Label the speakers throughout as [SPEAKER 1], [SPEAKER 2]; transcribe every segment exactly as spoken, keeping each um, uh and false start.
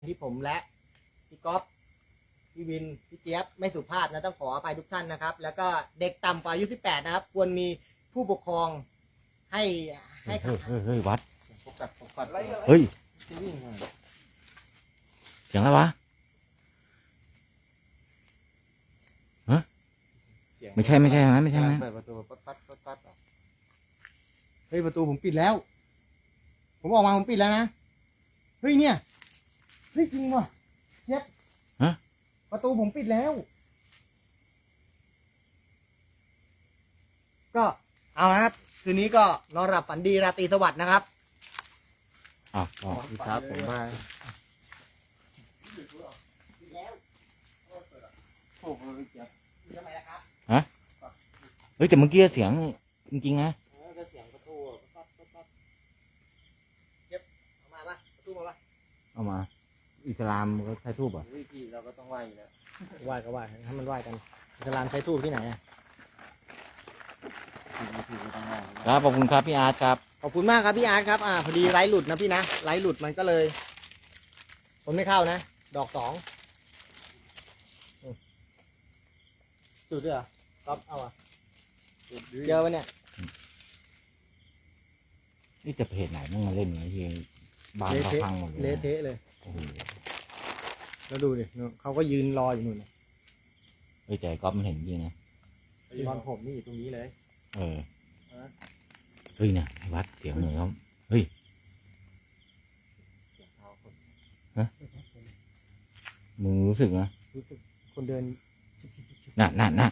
[SPEAKER 1] ที่ผมและพี่ก๊อฟพี่วินพี่เจี๊ยบไม่สุภาพนะต้องขออภัยทุกท่านนะครับแล้วก็เด็กต่ำกว่าอายุสิบแปดนะครับควรมีผู้ปกครองให้ให้
[SPEAKER 2] เฮ้ยเฮ้ยเฮ้ยวัด
[SPEAKER 1] ปกปักปกปัก
[SPEAKER 2] เฮ้ย
[SPEAKER 1] วิ่งมา
[SPEAKER 2] เสียงอะไรวะ
[SPEAKER 1] เสียง
[SPEAKER 2] ไม่ใช่ไม่ใช่นะไม่ใช่นะ
[SPEAKER 1] เปิดประตูปัดปัดปัดปัดออกเฮ้ยประตูผมปิดแล้ว ผมออกมาผมปิดแล้วนะเฮ้ยเนี่ยเฮ้ยจริงว่ะเจี๊ยบ
[SPEAKER 2] ฮะ
[SPEAKER 1] ประตูผมปิดแล้ว ก็เอานะครับคืนนี้ก็นอนหลับฝันดีราตรีสวัสดิ์นะครับ
[SPEAKER 2] อ้าวอ๋อ
[SPEAKER 1] ครับผมมาโอ้โหเจี๊ยบทำไมล่ะครับ
[SPEAKER 2] เฮ้ยแต่เมื่อกี้เสียงจริงๆนะ
[SPEAKER 1] เออก็เสียงประตูปั๊บปั๊บปั๊บเจี๊ยบเอามาปะประตูมาปะ
[SPEAKER 2] เอามา อิสลามเขาใช้ทูบอ่ะ
[SPEAKER 1] วิธีเราก็ต้องไหว้อยู่แล้วไหว้ก็ไหว้ให้มันไหว้กันอิสลามใช้ทูบที่ไหนอ่ะวิธีก็ต้องไหว้
[SPEAKER 2] ครับขอบคุณครับพี่อาร์ตครับ
[SPEAKER 1] ขอบคุณมากครับพี่อาร์ตครับอ่าพอดีไลฟ์หลุดนะพี่นะไลฟ์หลุดมันก็เลยผมไม่เข้านะดอกสองอืมจุดด้วยเหรอก๊อฟเอาอ่ะเจอปะเนี่ย
[SPEAKER 2] นี่จะเพจไหนมึงมาเล่นไงที่บ้านเขาพังหมดเลย
[SPEAKER 1] เละ
[SPEAKER 2] นะ
[SPEAKER 1] เทะเลย
[SPEAKER 2] โอ้โห
[SPEAKER 1] แล้วดูดิเขาก็ยืนรออยู่นู่นน่ะ
[SPEAKER 2] เฮ้ยแต่ก๊อฟมันเห็นจริงนะ
[SPEAKER 1] ตอนผมนี่อยู่ตรงนี้เลย
[SPEAKER 2] เออ
[SPEAKER 1] ฮะ
[SPEAKER 2] เฮ้ยเนี่ยไอ้วัดเสียงเหมือนเขาเฮ้ย
[SPEAKER 1] เสียงเท้าคน
[SPEAKER 2] มึงรู้สึกนะ
[SPEAKER 1] รู้สึกคนเดิน
[SPEAKER 2] น่ะน่ะน่ะ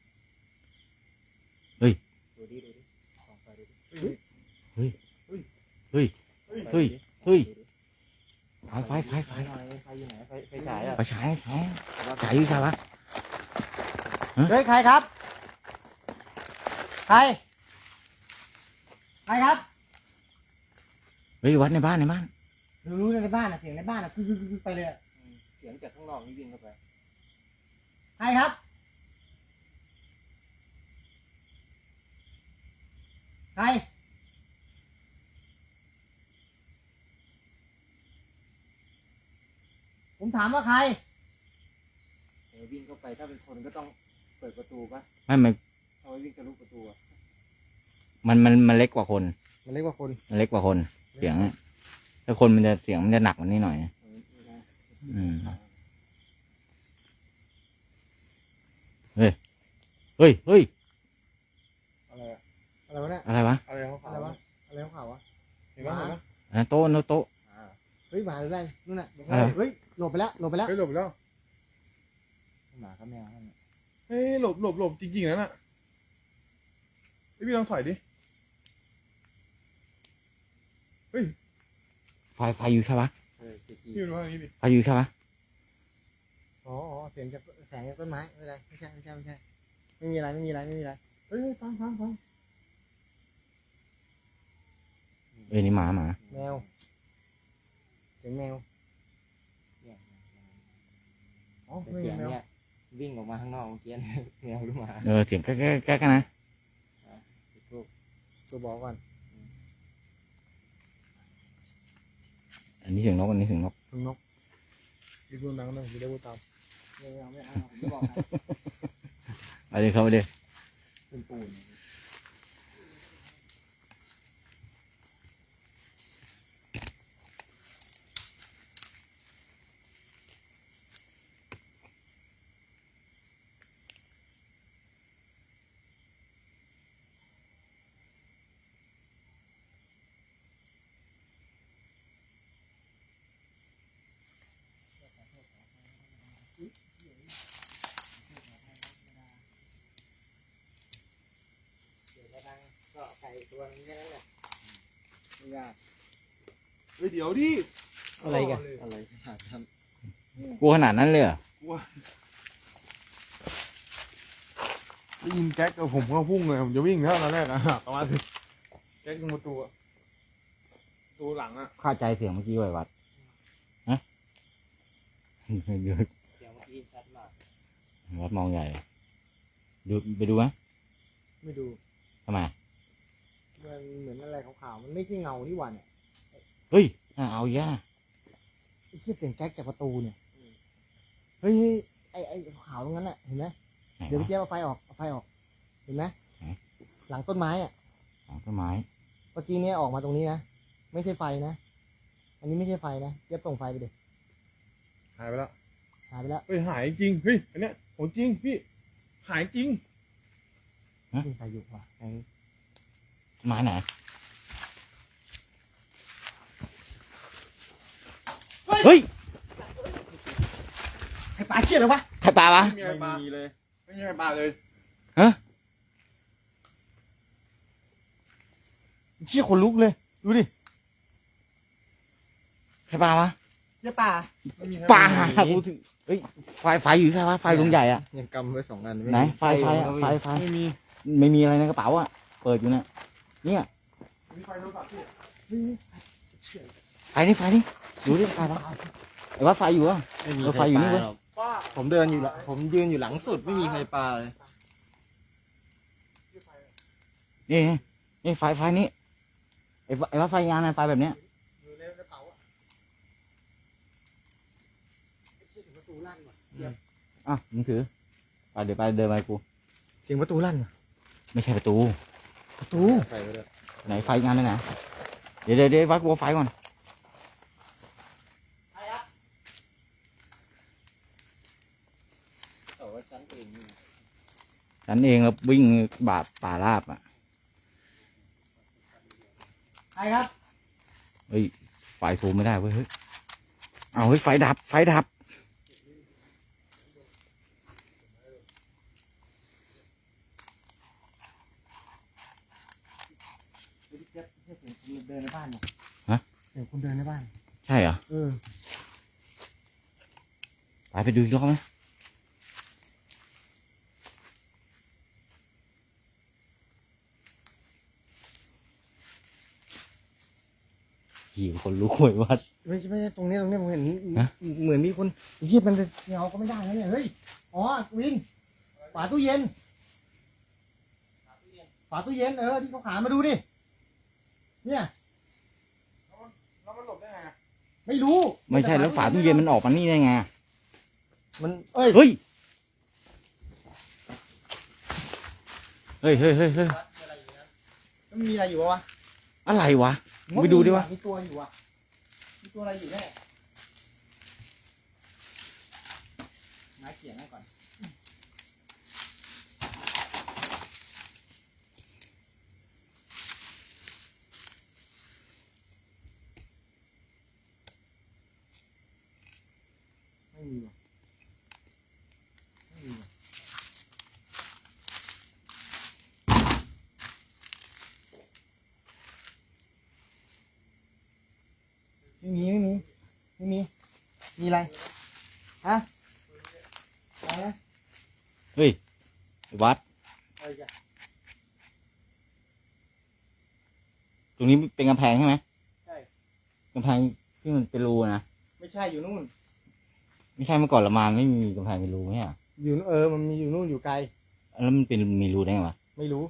[SPEAKER 1] ดูดิดูดิลองไปดูดิ
[SPEAKER 2] เฮ้ย เฮ้ย เฮ้ย เฮ้ย ไฟไฟไฟไฟ
[SPEAKER 1] ไฟหน่อยไฟอยู่ไหนไฟไฟฉายอ่ะ
[SPEAKER 2] ไปฉายฉายฉายอยู่ใช่ปะ
[SPEAKER 1] เฮ้ยใครครับใครใครครับ
[SPEAKER 2] เฮ้ยวัดในบ้านในบ้าน
[SPEAKER 1] รู้ๆในบ้านอ่ะเสียงในบ้านอ่ะคือคือคือไปเลยอะเสียงจากข้างนอกนี่วิ่งเข้าไปใครครับใครผมถามว่าใครเออวิ่งเข้าไปถ้าเป็นคนก็ต้องเปิดประตูปะ
[SPEAKER 2] ไม่มัน
[SPEAKER 1] เอาไว้วิ่งทะลุประตูอ่ะ
[SPEAKER 2] มันมันมันเล็กกว่าคน
[SPEAKER 1] มันเรียกว่าคน
[SPEAKER 2] มันเล็กกว่าคน เสียงถ้าคนมันจะเสียงมันจะหนักกว่านี้หน่อย อืม เฮ้ย เฮ้ย เฮ้ย
[SPEAKER 1] อะไรอะอะไรวะเนี่ย
[SPEAKER 2] อะไรวะ
[SPEAKER 3] อะไรของ
[SPEAKER 1] อะไร
[SPEAKER 3] เขา
[SPEAKER 1] วะอะไรของเขาวะ
[SPEAKER 3] เห็นไหมเห็นไหม
[SPEAKER 2] อันนั้นโต๊ะโน้ตโต๊ะ
[SPEAKER 1] เฮ้ยหมาหรืออะไรนู่นน่ะ
[SPEAKER 2] อะไร
[SPEAKER 1] เฮ้ยหลบไปแล้วหลบไปแล้ว
[SPEAKER 3] เฮ้ยหลบแล้ว
[SPEAKER 1] หมากับแมวนั่นน่ะ
[SPEAKER 3] เฮ้ยหลบหลบหลบจริงๆนะน่ะเฮ้ยพี่ลองถอยดิเฮ้ย
[SPEAKER 2] ไฟไฟอยู่ใช่ปะ
[SPEAKER 1] เออเจ๊กี้
[SPEAKER 3] พี่มาดูทางนี้ดิ
[SPEAKER 2] ไฟอยู่ใช่ปะ
[SPEAKER 1] อ๋ออ๋อเสียงจากแสงจากต้นไม้ไม่เป็นไรไม่ใช่ไม่ใช่ไม่ใช่ไม่มีอะไรไม่มีอะไรไม่มีอะไร
[SPEAKER 3] เฮ้ยเฮ้ยฟังฟังฟัง
[SPEAKER 2] เอ้ยนี่หมาหมา
[SPEAKER 1] แมวเสียงแมว
[SPEAKER 3] อ๋อ
[SPEAKER 1] แต่
[SPEAKER 3] ไม่
[SPEAKER 1] เสี
[SPEAKER 3] มี
[SPEAKER 1] ยง
[SPEAKER 3] แมว
[SPEAKER 1] เนี่ยวิ่งออกมาข้างนอกเมื่อกี้เนี่ยแมวหรือหมา
[SPEAKER 2] เออเสียงแก๊กแก๊กแก๊กนะ
[SPEAKER 1] ตัวตัวบอกก่อน
[SPEAKER 2] อันนี้เสียงนกอันนี้เสียงนก
[SPEAKER 1] ถึงนก
[SPEAKER 3] อีกตัวดังนะจะได้พูดตาม
[SPEAKER 1] ไม่เอาไม่เอาผมจะบอกนะ
[SPEAKER 2] ไปเลยเข้าไปเลย
[SPEAKER 1] เป็นปูนเดี๋ยวกระดังก็ไก่ตัวนึงแค่นั้นแหละไม่ยาก
[SPEAKER 3] เฮ้ยเดี๋ยวดิ
[SPEAKER 1] อะไรกันอะไรหาท
[SPEAKER 2] กลัวขนาดนั้นเลยเหรอ
[SPEAKER 3] ได้ยินแก๊กกับผมก็พุ่งเลยผมจะวิ่งแล้วตอนแรกอะประมาณแก๊กตรงประตูอะประตูหลังอะ
[SPEAKER 2] เข้าใจเสียงเมื่อกี้ไว้วัดฮะเดี๋ยว
[SPEAKER 1] ำเสียงเมื่อกี้ชัดมาก
[SPEAKER 2] วัดมองใหญ่ดูไปดูไหม
[SPEAKER 1] ไม่ดู
[SPEAKER 2] ทำไม
[SPEAKER 1] มันเหมือนอะไรขาวๆมันไม่ใช่เงานี่หว่าเนี่ย
[SPEAKER 2] เฮ้ยน่าเอาอีกอ่ะ
[SPEAKER 1] ไอ้ที่เสียงแก๊กจากประตูเนี่ยเฮ้ยไอ้ไอ้ขาวตรงนั้นน่ะเห็นไหม
[SPEAKER 2] ไหน
[SPEAKER 1] เดี๋ยว
[SPEAKER 2] วะ
[SPEAKER 1] พี่เจี๊ยบเอาไฟออกเอาไฟออกเห็นไหม
[SPEAKER 2] ไหน
[SPEAKER 1] หลังต้นไม้อ่ะ
[SPEAKER 2] หลังต้นไม้
[SPEAKER 1] เมื่อกี้เนี่ยออกมาตรงนี้นะไม่ใช่ไฟนะอันนี้ไม่ใช่ไฟนะเจี๊ยบส่งไฟไปดิ
[SPEAKER 3] หายไปแล้ว
[SPEAKER 1] หายไปแล้ว
[SPEAKER 3] เฮ้ยหายจริงเฮ้ยอันเนี้ยของจริงพี่หายจริง
[SPEAKER 1] มีไฟอยู่ว่ะไอ้
[SPEAKER 2] ต้นไม้ไหนเฮ้ย
[SPEAKER 1] ไอ้ปลาเชี่ยเลยวะ
[SPEAKER 2] ใครปลาวะ
[SPEAKER 3] ไม่มีอะไรปลาเลยไม่มีอะไรปลาเลย
[SPEAKER 1] เชี่ยขนลุกเลยดูดิ
[SPEAKER 2] ใครปลาวะ
[SPEAKER 1] เชี่ยปลา
[SPEAKER 3] ไม่มีอะไร
[SPEAKER 2] ปลากูถึงเฮ้ยไฟไฟอยู่ใช่ปะไฟดวงใหญ่อะ
[SPEAKER 1] ยังกำไว้สองอัน
[SPEAKER 2] ไหนไฟไฟอะไฟไฟ
[SPEAKER 3] ไม่มี
[SPEAKER 2] ไม่มีอะไรในกระเป๋าอะเปิดอยู่เนี่ยเนี่ย
[SPEAKER 3] มีไฟโทรศัพท์พี่
[SPEAKER 2] ไฟนี่ไฟนี่ดูดิไฟปะไอ้ว่าไฟอยู่อะ
[SPEAKER 1] ไม่มี
[SPEAKER 2] เออไฟอยู่นี่เว้ย
[SPEAKER 1] หรอก
[SPEAKER 3] ป้า
[SPEAKER 1] ผมเดินอยู่ละผมยืนอยู่หลังสุดไม่มีใครปลาเลย
[SPEAKER 2] นี่นี่ไฟไฟนี่ไอ้ว่าไอ้ว่าไฟงานอะไฟแบบเนี้ย
[SPEAKER 1] อยู่ในกระเป๋าอ่ะเสียงประตูลั่นว่ะ
[SPEAKER 2] อ่ะมึงถือไปเดี๋ยวไปเดินไปกู
[SPEAKER 1] เสียงประตูลั่นว่ะ
[SPEAKER 2] ไม่ใช่ประตู
[SPEAKER 1] ประตู
[SPEAKER 3] ไฟไปเลย
[SPEAKER 2] ไหนไฟงานไหนไหนเดี๋ยวเดี๋ยวเดี๋ยววัดกูเอาไฟก่อน
[SPEAKER 1] ใครอ่ะแต่ว่าฉันเองนี่
[SPEAKER 2] ฉันเองแล้ววิ่งบาดป่าราบอ่ะ
[SPEAKER 1] ใครครับ
[SPEAKER 2] เฮ้ยไฟซูมไม่ได้เว้ยเฮ้ยเอาเฮ้ยไฟดับไฟดับ
[SPEAKER 1] เสียงคุณเดินในบ้านเนี่ยเสียงคุณเดินในบ้าน
[SPEAKER 2] ใช่เหรอ
[SPEAKER 1] เออ
[SPEAKER 2] ไปไปดูอีกรอบไหมหิวคนรู้หวยวัด
[SPEAKER 1] ไม่ใช่ไม่ใช่ตรงนี้ตรงนี้ผมเห็น
[SPEAKER 2] ฮะ
[SPEAKER 1] เหมือนมีคนเฮียมันจะเงาก็ไม่ได้นะเนี่ยเฮ้ยอ๋อวินฝาตู้เย็นฝาตู้เย็นเออที่เขาขายมาดูดิเนี่ย
[SPEAKER 3] แล้วมันหลบได้ไงอะ
[SPEAKER 1] ไม่รู้
[SPEAKER 2] ไม่ใช่แล้วฝาตู้เย็นมันออกมานี่ได้ไง
[SPEAKER 1] มันเอ้ย
[SPEAKER 2] เฮ้ยเฮ้ยเฮ้ยเฮ้ยเฮ้ย
[SPEAKER 1] มันมีอะไรอยู่วะ
[SPEAKER 2] อะไรวะไปดูดิวะ
[SPEAKER 1] มีตัวอยู่อ่ะมีตัวอะไรอยู่แน่ไม้เขียนให้ก่อนไม่มีว่ะไม่มีว่ะไม่มีไม่มีไม่มีมีอะไรฮะอะไรนะ
[SPEAKER 2] เฮ้ยวัด
[SPEAKER 1] อะไรกัน
[SPEAKER 2] ตรงนี้เป็นกำแพงใช่ไหม
[SPEAKER 1] ใช่
[SPEAKER 2] กำแพงที่มันเป็นรูนะ
[SPEAKER 1] ไม่ใช่อยู่นู่น
[SPEAKER 2] ไม่ใช่เมื่อก่อนเรามาไม่มีกำแพงเป็นรูไหมอ่ะ
[SPEAKER 1] อยู่นู่นเออมันมีอยู่นู่นอยู่ไกล
[SPEAKER 2] แล้วมันเป็นมีรูได้ไงวะ
[SPEAKER 1] ไม่รู้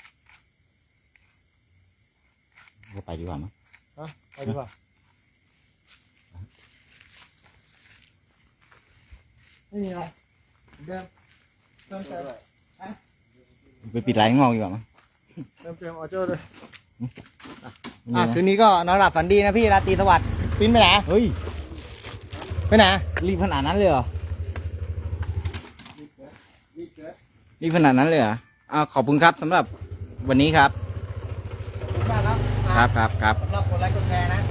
[SPEAKER 2] เราไปดีกว่ามั้ง
[SPEAKER 1] ฮะไปดีกว่าไม่มีอะไรเดิมเติมเติม
[SPEAKER 2] ไปปิดไลน์ข้างนอกดีกว่ามั้ง
[SPEAKER 1] เติมเติมออเจอร์ด้วย
[SPEAKER 2] ไม่
[SPEAKER 1] อ่ะ
[SPEAKER 2] มีนะ
[SPEAKER 1] คืนนี้ก็นอนหลับฝันดีนะพี่ราตรีสวัสดิ์ปิ้นไปไหน
[SPEAKER 2] เฮ้ย
[SPEAKER 1] ไปไหน
[SPEAKER 2] รีบขนาดนั้นเลยเหรอ
[SPEAKER 1] รีบเกิด
[SPEAKER 2] รีบขนาดนั้นเลยเหรออ่าขอบคุณครับสำหรับวันนี้ครับ
[SPEAKER 1] ขอบคุณมากครับ
[SPEAKER 2] ครับครับครับ
[SPEAKER 1] สำหรับกดไลค์กดแชร์นะ